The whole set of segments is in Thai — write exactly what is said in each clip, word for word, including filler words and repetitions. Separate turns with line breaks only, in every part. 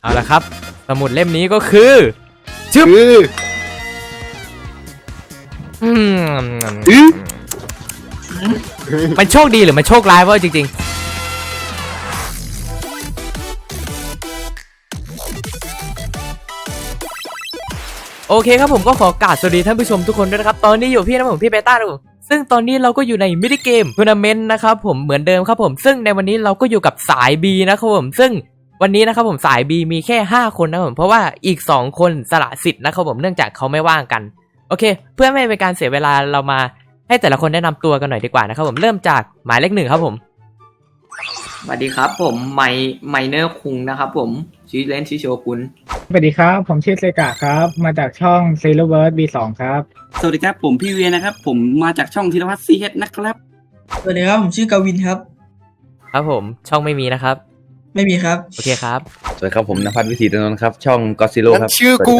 เอาละครับสมุดเล่มนี้ก็คือชึบอืมมันโชคดีหรือมันโชคร้ายวะจริงๆโอเคครับผมก็ขอกราบสวัสดีท่านผู้ชมทุกคนด้วยนะครับตอนนี้อยู่พี่นะผมพี่เบต้านะผมซึ่งตอนนี้เราก็อยู่ในมินิเกมทัวร์นาเมนต์นะครับผมเหมือนเดิมครับผมซึ่งในวันนี้เราก็อยู่กับสาย B นะครับผมซึ่งวันนี้นะครับผมสาย B มีแค่ห้าคนนะครับผมเพราะว่าอีกสองคนสละสิทธิ์นะครับผมเนื่องจากเขาไม่ว่างกันโอเคเพื่อไม่เป็นการเสียเวลาเรามาให้แต่ละคนแนะนำตัวกันหน่อยดีกว่านะครับผมเริ่มจากหมายเลขหนึ่งครับผม
สวัสดีครับผมไมไมเนอร์คุงนะครับผมชื่อเล่นชื่อโชกุน
สวัสดีครับผมชื่อเซกะครับมาจากช่อง Zero Verse บี สอง ครับ
สวัสดีครับผมพี่เวียนะครับผมมาจากช่องธีรพัฒน์ซีเฮดนะครับ
สวัสดีครับผมชื่อกวินครับ
ครับผมช่องไม่มีนะครับ
ไม่มีครับ
โอเคครับ
สวัสดีครับผมณภัทรวิถีตนนท์ครับช่องก็ซิโร่ครับ
ชื่อกู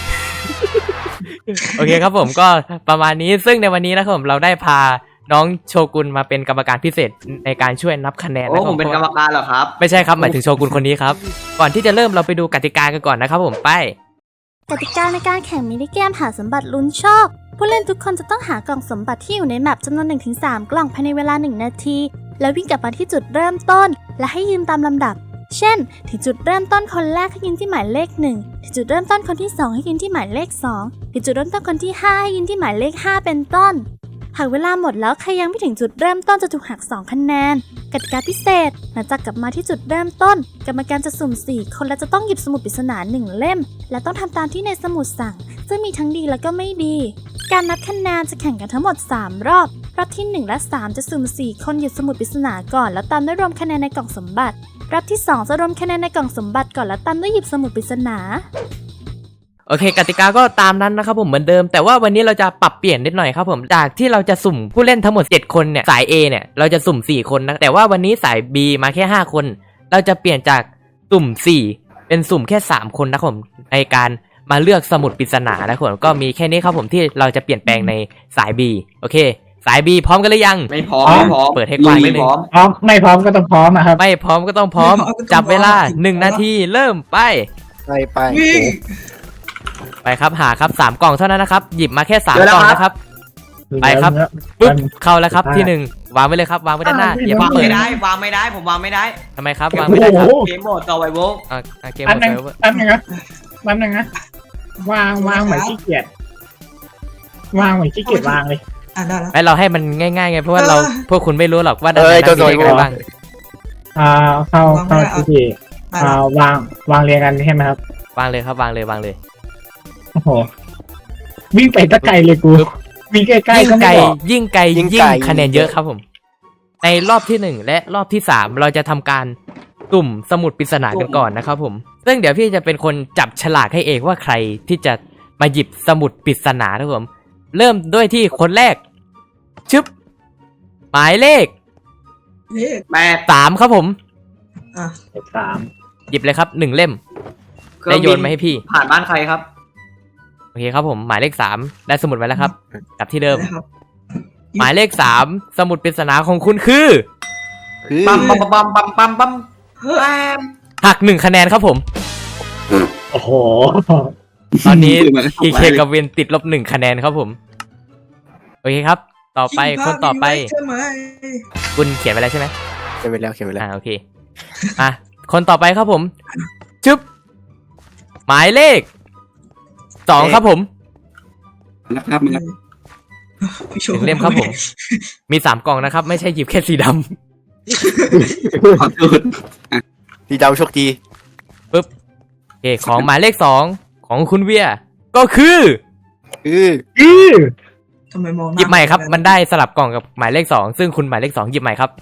โอเคครับผมก็ประมาณนี้ซึ่งในวันนี้นะครับผมเราได้พาน้องโชกุนมาเป็นกรรมการพิเศษในการช่วยนับคะแนนนะ
ผมเป็นกรรมการเหรอครับ
ไม่ใช่ครับหมายถึงโชกุนคนนี้ครับก่อนที่จะเริ่มเราไปดูกติกากันก่อนนะครับผมไป
กติกาในการแข่งมินิเกมหาสมบัติลุ้นโชคผู้เล่นทุกคนจะต้องหากล่องสมบัติที่อยู่ในแมปจำนวน หนึ่งถึงสาม กล่องภายในเวลาหนึ่งนาทีแล้ววิ่งกลับมาที่จุดเริ่มต้นและให้ยืนตามลำดับเช่นถึงจุดเริ่มต้นคนแรกให้ยืนที่หมายเลขหนึ่งถึงจุดเริ่มต้นคนที่สองให้ยืนที่หมายเลขสองถึงจุดเริ่มต้นคนที่ห้าให้ยืนที่หมายเลขห้าเป็นต้นหากเวลาหมดแล้วใครยังไม่ถึงจุดเริ่มต้นจะถูกหักสองคะแนนกติกาพิเศษหลังจากกลับมาที่จุดเริ่มต้นกรรมการจะสุ่มสี่คนและจะต้องหยิบสมุดปริศนาหนึ่งเล่มและต้องทำตามที่ในสมุดสั่งซึ่งมีทั้งดีและก็ไม่ดีการนับคะแนนจะแข่งกันทั้งหมดสามรอบรอบที่หนึ่งและสามจะสุ่มสี่คนหยิบสมุดปริศนาก่อนแล้วตามด้วยรวมคะแนนในกล่องสมบัติรอบที่สองจะรวมคะแนนในกล่องสมบัติก่อนแล้วตามด้วยหยิบสมุดปริศนา
โอเคกติกาก็ตามนั้นนะครับผมเหมือนเดิมแต่ว่าวันนี้เราจะปรับเปลี่ยนนิดหน่อยครับผมจากที่เราจะสุ่มผู้เล่นทั้งหมดเจ็ดคนเนี่ยสาย A เนี่ยเราจะสุ่มสี่คนนะแต่ว่าวันนี้สาย B มาแค่ห้าคนเราจะเปลี่ยนจากสุ่มสี่เป็นสุ่มแค่สามคนนะครับผมในการมาเลือกสมุดปริศนานะครับผมก็มีแค่นี้ครับผมที่เราจะเปลี่ยนแปลงในสาย B โอเคสาย B พร้อมกันหรือยัง
ไม่พร้อมไม่พร้อม
เปิดให้กว้างนิดนึง
พร้อมไม่พร้อมก็ต้องพร้อมนะครับ
ไม่พร้อมก็ต้องพร้อมจับเวลาหนึ่งนาทีเริ่มไป
ไปไป
ไปครับหาครับสามกล่องเท่านั้นนะครับหยิบมาแค่สามกล่องนะครับไปครับปุ๊บเข้าแล้วครับที่หนึ่งวางไว้เลยครับวางไว้ด้านหน้าอย่าวาง
ไม่ได้วางไม่ได้ผมวางไม่ได้
ทำไมครับวางไม่ได้ครับ
เกมโหมดต่อไวโว
อ่าเกมโหมดต่อไวโว
แป๊บนึงนะแป๊บนึงนะวางวางเหมือนขี้เกียจวางเหมือนขี้เกียจวางเลย
อ่ะได้แล้ว
ไอเราให้มันง่ายๆไงเพราะว่าเราพวกคุณไม่รู้หรอกว่าด้านไหนมีอะไรบ้าง
อ่าเข้าเข้าที่อ่าวางวางเรียงกันใช่ไหมครับ
วางเลยครับวางเลยวางเลย
โอ้โหวิ่งไปตะไกลเลยกูวิ่งใกล้ๆก็ไม่บอก
ยิ่งไกลยิ่งคะแนนเยอะครับผมในรอบที่หนึ่งและรอบที่สามเราจะทำการตุ่มสมุดปริศนากันก่อนนะครับผมซึ่งเดี๋ยวพี่จะเป็นคนจับฉลากให้เองว่าใครที่จะมาหยิบสมุดปริศนาครับผมเริ่มด้วยที่คนแรกชึบหมายเลข
แปด
สามครับผม
อ่ะ
สาม
หยิบเลยครับหนึ่งเล่มได้โยนมาให้พี่
ผ่านบ้านใครครับ
โอเคครับผมหมายเลขสามได้สมุดไว้แล้วครับกลับที่เดิมหมายเลขสามสมุดปริศนาของคุณคือ
ปั๊มปั๊มปั๊มปั๊มปั๊มปั๊ม
หักหนึ่งคะแนนครับผม
โอ้โห
ตอนนี้พีเคกับเวนติดลบหนึ่งคะแนนครับผมโอเคครับต่อไปคนต่อไปคุณเขียนไปแล้วใช่ไหม
เขียนไปแล้วเขียนไปแล้ว
อ่าโอเคอ่ะคนต่อไปครับผมชึบหมายเลขสองครับผม
นะครับ
หนึ่งเล่มครับผมมีสามกล่องนะครับไม่ใช่หยิบแค่สีดำ
ขอโทษ
สีดำโชคดี
ปึ๊บโอเคของหมายเลขสองของคุณเวียก็คือ
คือ
อือ
ทำไมมอง
หยิบใหม่ครับมันได้สลับกล่องกับหมายเลขสองซึ่งคุณหมายเลขสองหยิบใหม่ครับ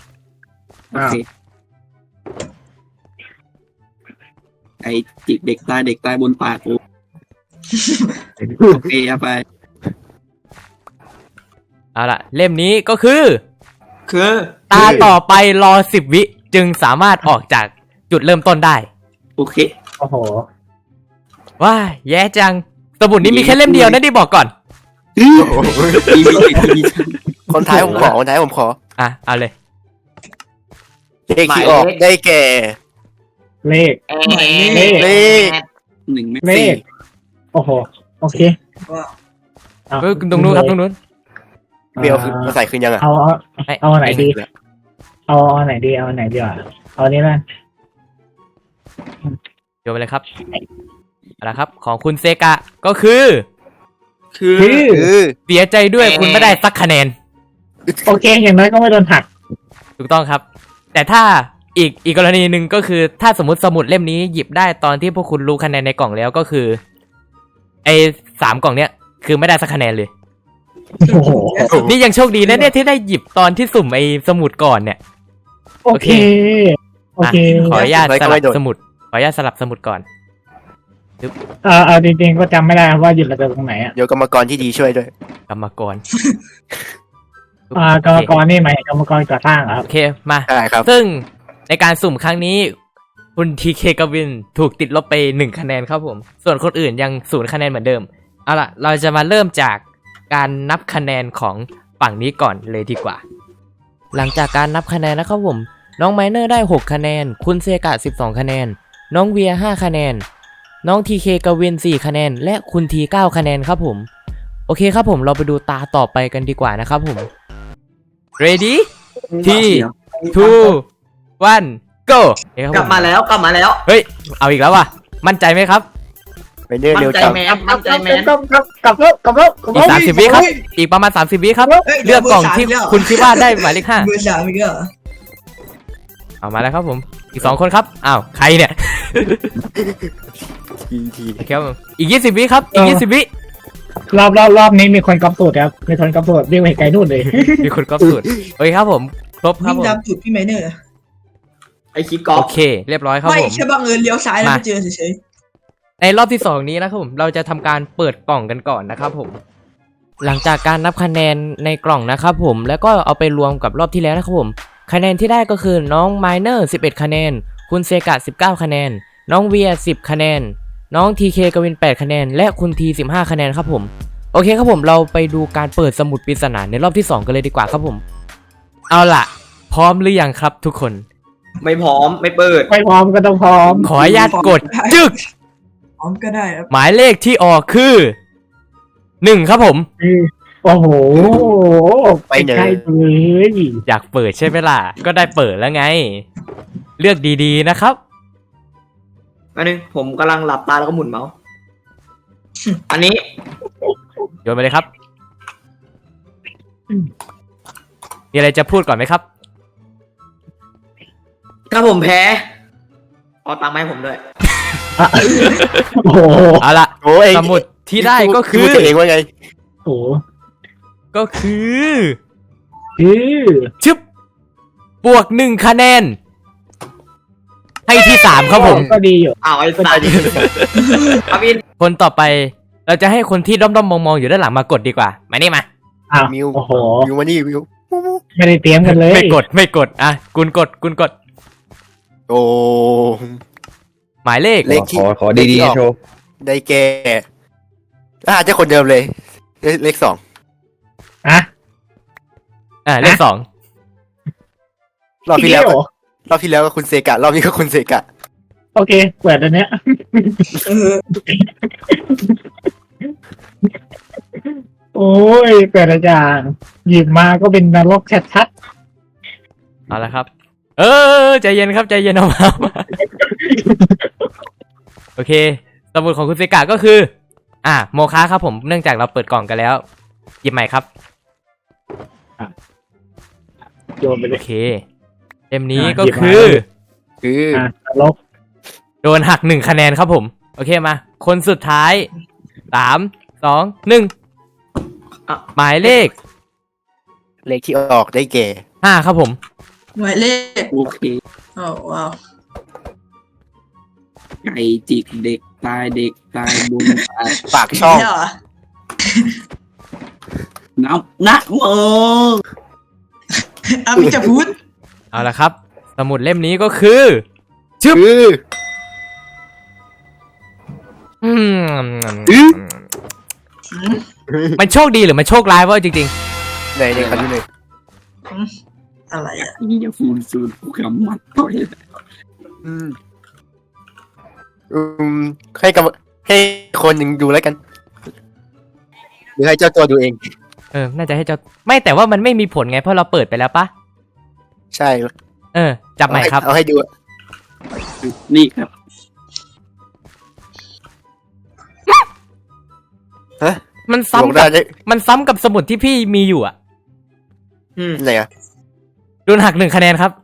ไอ้จิกเด็กตายเด็กตายบนปากโอเคไป
เอาล่ะเล่มนี้ก็คือ
คือ
ตาต่อไปรอสิบวิจึงสามารถออกจากจุดเริ่มต้นได้
โอเค
โอ้โห
ว้าแย่จังสมุดนี้มีแค่เล่มเดียวนะที่บอกก่อน
คนท้ายผมขอคนท้ายผมขอ
อ่ะเอาเลย
เลขที่ออกได้แก่
เลข
เลข
เลข
หนึ่งไม่
เล
สี่
ข โอ้โห โอเค
ว่า
เอา
เออตรงนู้นครับตรงนู้น
เบลคือมาใส่คืนยังอ่ะ
เอาเอา
ให้
เอาไหนดี เอาเอาไหนดีเอาไหนดีวะเอาอันนี้นะ
โยนไปเลยครับเอาละครับของคุณเซกะก็คือ
คือ
คือ
คือ
เสียใจด้วยคุณไม่ได้สักคะแนน
โอเคอย่างน้อยก็ไม่โดนหัก
ถูกต้องครับ แต่ถ้าอีกอีกกรณีหนึ่งก็คือถ้าสมมติสมุดเล่มนี้หยิบได้ตอนที่พวกคุณรู้คะแนนในกล่องแล้วก็คือไอ้สามกล่องเนี้ยคือไม่ได้สักคะแนนเลย
โอ้โห
นี่ยังโชคดีนะเนี่ยที่ได้หยิบตอนที่สุ่มไอ้สมุดก่อนเนี่ย
โอเค โอเค
อ่ะขออนุญาตสลับสมุดขออนุญาตสลับสมุดก่อน
เออเอาจริงๆก็จำไม่ได้ครับว่าหยุดระเบิดตรงไหนอ่ะ
เดี๋ยวกรรมกรที่ดีช่วยด้วย
กรรมกร
อ่ากรรมกรนี่หมายถึงกรรมกรก่อสร้างเหรอครับ
โอเคมา
ใช่ครับ
ซึ่งในการสุ่มครั้งนี้คุณทีเคกวินถูกติดลบไปหนึ่งคะแนนครับผม ส่วนคนอื่นยังศูนย์คะแนนเหมือนเดิม เอาล่ะ เราจะมาเริ่มจากการนับคะแนนของฝั่งนี้ก่อนเลยดีกว่า หลังจากการนับคะแนนนะครับผม น้องไมเนอร์ได้หกคะแนน คุณเซกะสิบสองคะแนน น้องเวียห้าคะแนน น้องทีเคกวินสี่คะแนน และคุณทีเก้าคะแนนครับผม โอเคครับผมเราไปดูตาต่อไปกันดีกว่านะครับผม ready ที่ two one go
กลับมาแล้วกลับมาแล้ว
เฮ้ย เอาอีกแล้วว่ะ มั่นใจไหมครับ
ไปเดิน
มั่
เร็
น
ว
ใจ
จัง
แมนมั่นใจแมน
กลับกลับกลับกลับกลับแล้วกลับ
อีก
แล้ว
สามสิบวิครับ อีกประมาณสามสิบวิครับ
เอ้ย
เลือกกล่องที่
เบอร์สามอีกแล้ว
คุณคิดว่าได้หมายเลขห้า
เบอร์สามอีกแล้วเหรอ
เอามาแล้วครับผม อีกสองคนครับ อ้าว ใครเนี่ย
ทีที
โอเคครับผมอีกยี่สิบวิครับ อีกยี่สิบวิ
รอบรอบรอบนี้มีคนกำสูตรครับมีคนกำสูตรเรียกไปไกลนู่นเลย
มีคนก็สุดโอเคครับผม ครบครับ
วิ่ง
ผม
ตามจุดพี่ไมเนอร์
ไอคิกกอ
โอ
ล์ฟ
เค เรียบร้อยครับ
ไม่
ผม
แค่บังเอิญเลี้ยวซ้ายแล้ว
มา
ไม่เจอเฉย
ในรอบที่สองนี้นะครับผม เราจะทำการเปิดกล่องกันก่อนนะครับผม หลังจากการนับคะแนนในกล่องนะครับผม แล้วก็เอาไปรวมกับรอบที่แล้วนะครับผม คะแนนที่ได้ก็คือน้องไมเนอร์สิบเอ็ดคะแนน คุณเซกะสิบเก้าคะแนน น้องเวียสิบคะแนน น้องทีเคกวินแปดคะแนน และคุณทีสิบห้าคะแนนครับผม โอเคครับผมเราไปดูการเปิดสมุดปริศนาในรอบที่สองกันเลยดีกว่าครับผม เอาล่ะ พร้อมหรือยังครับทุกคน
ไม่พร้อมไม่เปิด
ไม่พร้อมก็ต้องพร้อม
ขออนุญาตกดจึก
ๆพร้อมก็ได้ครับ
หมายเลขที่ออกคือหนึ่งครับผม
โอ้โห
ไปเน
ใกล้
ย
เลย
อยากเปิดใช่ไหมล่ะ ก็ได้เปิดแล้วไง เลือกดีๆนะครับ
อันนึงผมกำลังหลับตาแล้วก็หมุนเมาส์อันนี้
โยนไปเลยครับ มีอะไรจะพูดก่อนไหมครับ
ถ้าผมแพ้เอาตังค์มาให้ผมด้วย
โอ้โห
เอาละ
โอ้ย
สมุดที่ได้ก็คือ
พูดตัวเองว่าไง
โอ้โห
ก็คือ
คือ
ชึบบวกหนึ่งคะแนน ให้ที่สามครับผม
ก็ดีอยู่
อ้าวไอ้สัตว์อาวิน
คนต่อไป เราจะให้คนที่ด้อมๆมองๆอยู่ด้านหลังมากดดีกว่า มานี่มา
อ้าว
มิว
โอ้โห
มิวมานี่มิว
ไม่ได้เตรียมกันเลย
ไม่กดไม่กด อ่ะ กุนกด กุนกด
โอ้
หมายเลข
เลขที่
ขอขอดีๆโชว์
ได้แก่อ่าจะคนเดิมเลยเลขเลขสอง
อ่ะ
อ่ะ เลขสอง
รอบที่แล้ว
อีก
ก็
เหรอ
รอบที่แล้วก็คุณเซกะ รอบนี้ก็คุณเซกะ
โอเค เปิดอันเนี้ย
เออ
โอ้ย เปิดอาจารย์หยิบมาก็เป็นนรกชัด
เอาละครับ เออใจเย็นครับใจเย็นเอามามาโอเค สมุดของคุณเซกะก็คือ อ่ะโมคะครับผม เนื่องจากเราเปิดกล่องกันแล้ว หยิบใหม่ครับ
ๆโยนไปเล
โอย เคเล่มนี้
อ่ะ
ก็
หยิบมา
คือ
คือ
อ่ะนรก
โดนหักหนึ่งคะแนนครับผม โอเคมา คนสุดท้ายสามสองหนึ่ง
อ่ะ
หมายเลข
เลขที่ออกได้แก่
ห้าครับผม
หมายเลข
โอเค
อ้าวว้าว
ไก่จิกเด็กตายเด็กตายบุญตาย
ปากช่อง
เนี่ยเหรอ
น้ำนะโม
อามิจะพูด
เอาละครับ สมุดเล่มนี้ก็คือ
คือ
อืม
อืม
มันโชคดีหรือมันโชคร้ายวะจริง
ในในคันนี้เลย
อะไรอ่ะ
นี่จะฟูนซูนผู้กำมัดต่อย
อืมอืมให้กับให้คนหนึ่งดูแล้วกัน หรือให้เจ้าตัวดูเอง
เออ น่าจะให้เจ้าไม่แต่ว่ามันไม่มีผลไงเพราะเราเปิดไปแล้วปะ
ใช่
เออ จับใหม่ครับ
เอาให้ดู
นี่ครับ
ฮะ
มัน
ลง
ซ้ำ
ได้
กับ
ได้
มันซ้ำกับสมุดที่พี่มีอยู่อ่ะ
อืม
ไหนอะ
โดนหักหนึ่งคะแนนครับ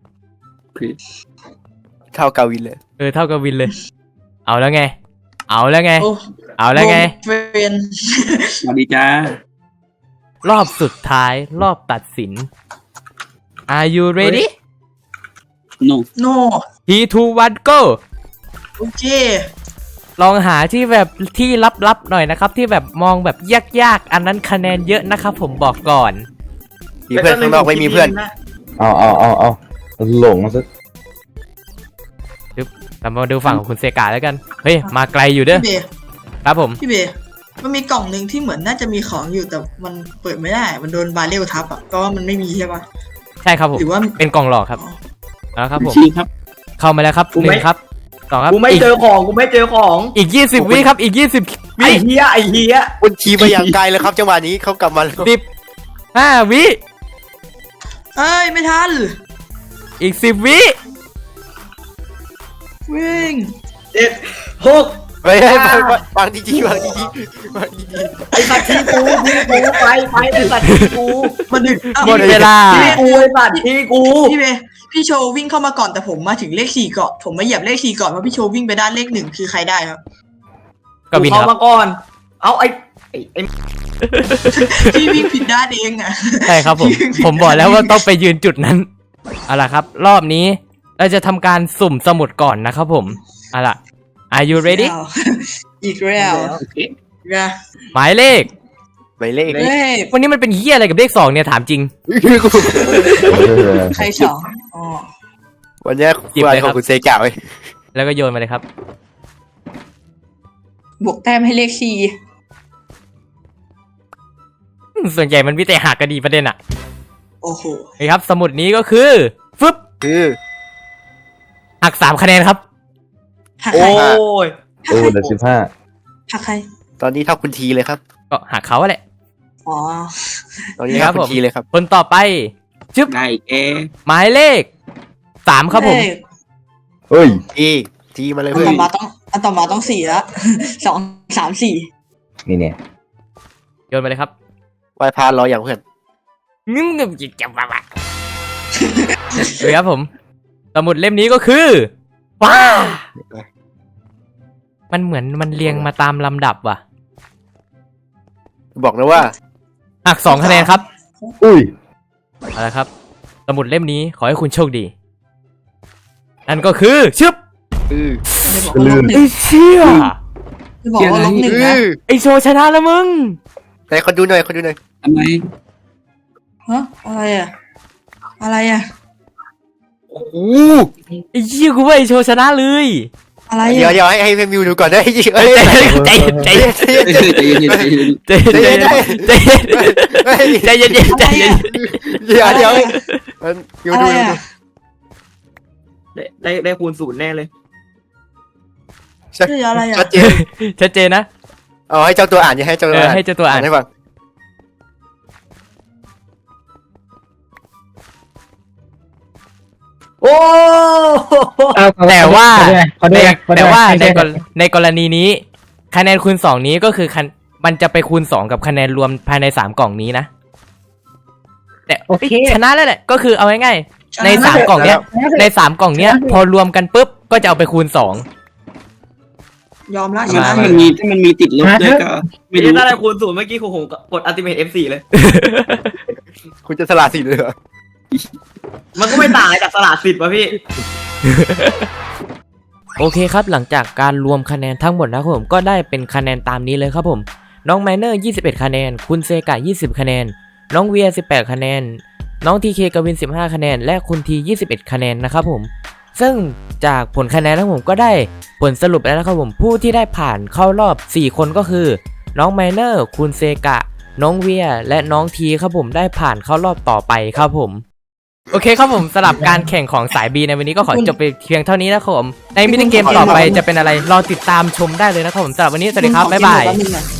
เท่ากาวินเลย
เออ เท่ากับวินเลย เอาแล้วไง เอาแล้วไง
โอ้
เอาแล้วไง
เฟรน
สวัสดีจ้าร
อบสุดท้าย รอบตัดสิน Are you ready
โน
โน
three two one go
โอเค
ลองหาที่แบบที่ลับๆหน่อยนะครับ ที่แบบมองแบบยากๆ อันนั้นคะแนนเยอะนะครับผมบอกก่อน
มีเพื่อนข้างนอกไม่มีเพื่อน
เอาเอาเอาเอาหลงมาซะ
เรามาดูฝั่งของคุณเซกาแล้วกัน เฮ้ย มาไกลอยู่เด้อ
พี่เบย์
ครับผม
พี่เบย์มันมีกล่องหนึ่งที่เหมือนน่าจะมีของอยู่แต่มันเปิดไม่ได้ มันโดนบาเรลทับอ่ะก็ว่ามันไม่มีใช่ปะ
ใช่ครับผม
หรือว่า
เป็นกล่องหลอกครับแล้วครับผม
ชี้ครับ
เข้ามาแล้วครับ
กู
ห
ไม่
นึ่งครับสองครับ
กูไม่
อีก
เจอของกูไม่เจอของ
อีกยี่สิบวิครับ อีกยี่สิบ
ไอ้
วิ
เฮียไอ้เฮีย
คุณชี้ไปอย่างไกลเลยครับจังหวะนี้เขากลับมาแล้ว
สิบห้าวิ
เอ้ยไม่ทัน
อีกสิบวิ
วิ่ง
เจ็ดหก
ไปไปไปวางดีๆวางดีๆวางดี
ไอ้สัตว์ที่กูที่กูไปไปไอ้สัตว์ที่กูมาดึก
อ้าว
หมดเวลา
ที่กูไอ้สัตว์ที่กู
พี่เบย์พี่โชว์วิ่งเข้ามาก่อนแต่ผมมาถึงเลขสี่ก่อนผมมาเหยียบเลขสี่ก่อนเพราะพี่โชว์วิ่งไปด้านเลขหนึ่งคือใครได้ครับ
ก็วิน
เข้า
ครับ
มาก่อน เอาไอ้ไอ้ไอ้
พี่วิ่งผิดด้านเองอ่ะ
ใช่ครับผม ผมบอกแล้วว่าต้องไปยืนจุดนั้นเอาล่ะครับ รอบนี้เราจะทำการสุ่มสมุดก่อนนะครับผมเอาล่ะ Are you ready
อีกแล้ว
โอเค
นะ
หมายเลข
ๆไปเลข
เฮ้ย
วันนี้มันเป็นเฮียอะไรกับเลขสองเนี่ยถามจริง
ใครสองอ๋อ
วันนี้
หยิบ
วัน
เลย
ข
ครั
อบ งคุณเซกาไว้
แล้วก็โยนมาเลยครับ
บวกแต้มให้เลขสี่
อืมส่วนใหญ่มันมีแต่หักกันดีประเด็นอะ
โอ้โห
นี่ครับ สมุดนี้ก็คือฟึบ
คือ
หักสามคะแนนครับ
หัก
โอ้
ใคร
ย
หัก
โอ้
ใคร
เดือดสิบห้า
หักใคร
ตอนนี้เท่าคุณทีเลยครับ
ก็หักเขาแหละ
อ๋อ
ตอนนี้
ครั
เท่า
บ
คุ
ผม
ณทีเลยครับ
คนต่อไปชึบ
ได้แก
หมายเลขสามครับผม
เลข
เฮ้ย
ทีทีมาเลย
อัน
เพื่อ
ต่อน มาต้องอันต่อมาต้องสี่ละ สองสามสี่
นี่เนี่ย
โยนมาเลยครับ
ไหวพานรออย่างเพื่อน
งึ้มงึ้มจิบจับวะเลยครับผม สมุดเล่มนี้ก็คือว้ามันเหมือนมันเรียงมาตามลำดับว่ะ
บอกนะว่า
หักสองคะแนนครับ
อุ้ย
เอาละครับ สมุดเล่มนี้ขอให้คุณโชคดี นั่นก็คือชึบ
คือ
จะบอกว่าลบหนึ่
ไอ้
ง
เชี่ย
จะบอกว่าลบหนึ่ง
คื
นะ
อ
ไอโชว์ชนะแล้วมึง
ไหนคนดูหน่อยคนดูหน่อย
ทำไม
ฮะอะไรอ่ะ อะไรอ่ะ
โอ้โห
ไอ้เชี่ยกูว่าไอโชว์ชนะเลย
อะไร
เดี๋ยว
อ่ะ
เดี๋ยวให้ให้เพื่อนมิวดูก่อนได้ยิง
ใจ
เอ้ย
เย็นใจเย็นใจเย็น
ใจเย็น
ใจเย็นใจเย็น
ใจเย็นใจเย็นใจเย็นใจเย็นใจเย็น
เดี๋ยวเดี๋ยวมิว
อะไร
ดูดู
อ่ะ
ได้ได้ได้คูณศูนย์แน่เลย
ชัด
เฮ้ยอะไรอ่ะ
ชัดเจน
ชัดเจนนะ
เอาให้เจ้าตัวอ่านอย่าให้เจ้า
เอ
ตัว
อ
อ่าน
ให้เจ้าตัวอ่าน
ให้ฟัง
โอ้
แต่ว่า
ขอ
ใน
ด้วยขอด้วย
แต่ว่า
ขอ
ใน
ด้วย
กรในกรณีนี้ คะแนนคูณสองนี้ก็คือคะมันจะไปคูณสองกับคะแนนรวมภายในสามกล่องนี้นะแต่
โอเค
ชนะแล้วแหละก็คือเอาง่ายๆในสามกล่องเนี้ย ในสามกล่องเนี้ย พอรวมกันปุ๊บก็จะเอาไปคูณสอง
ยอมละช
ถ้า
นะ
มันมีถ้ามันมีติดลบด้วยก็ไม่
ไม่
รู้
ได้ได้คูณศูนย์เมื่อกี้ผมผมกดอัลติเมท เอฟ โฟร์ เลย
คุณจะสละสิทธิ์เลยเหรอ
มันก็ไม่ต่างจากสลากสิทธิ์ป่ะพี่
โอเคครับหลังจากการรวมคะแนนทั้งหมดนะครับผมก็ได้เป็นคะแนนตามนี้เลยครับผมน้องไมเนอร์ยี่สิบเอ็ดคะแนนคุณเซกะยี่สิบคะแนนน้องเวียสิบแปดคะแนนน้องทีเคกวินสิบห้าคะแนนและคุณทียี่สิบเอ็ดคะแนนนะครับผมซึ่งจากผลคะแนนนะครับผมก็ได้ผลสรุปแล้วนะครับผมผู้ที่ได้ผ่านเข้ารอบสี่คนก็คือน้องไมเนอร์คุณเซกะน้องเวียและน้องทีครับผมได้ผ่านเข้ารอบต่อไปครับผมโอเคครับผมสำหรับการแข่งของสาย B ในวันนี้ก็ขอจบไปเพียงเท่านี้นะครับผมในมินิเกมต่อไปจะเป็นอะไรรอติดตามชมได้เลยนะครับผมสำหรับวันนี้สวัสดีครับบ๊ายบาย
แป๊บนึงนะ